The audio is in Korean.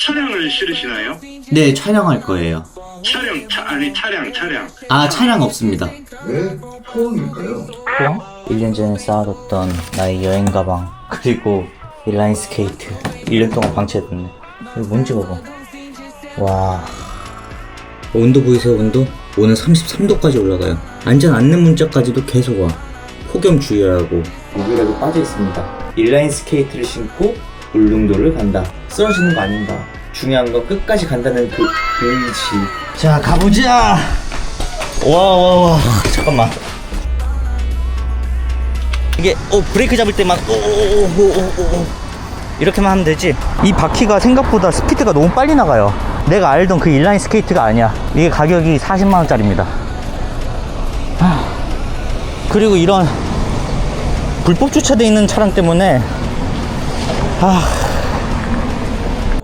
차량을 실으시나요? 네, 촬영할 거예요. 차량. 아, 차량 없습니다. 왜 포항일까요? 포항? 1년 전에 쌓아뒀던 나의 여행 가방, 그리고 인라인 스케이트 1년 동안 방치해뒀네. 이거 뭔지 봐봐. 와, 온도 보이세요? 온도? 오늘 33도까지 올라가요. 안전 안내 문자까지도 계속 와. 폭염 주의하라고. 여기라도 빠져있습니다. 인라인 스케이트를 신고 울릉도를 간다. 쓰러지는 거 아닌가. 중요한 건 끝까지 간다는 그 의지. 자, 가보자. 와 잠깐만. 이게 브레이크 잡을 때만 이렇게만 하면 되지. 이 바퀴가 생각보다 스피드가 너무 빨리 나가요. 내가 알던 그 인라인 스케이트가 아니야. 이게 가격이 40만원짜리입니다 그리고 이런 불법 주차되어 있는 차량 때문에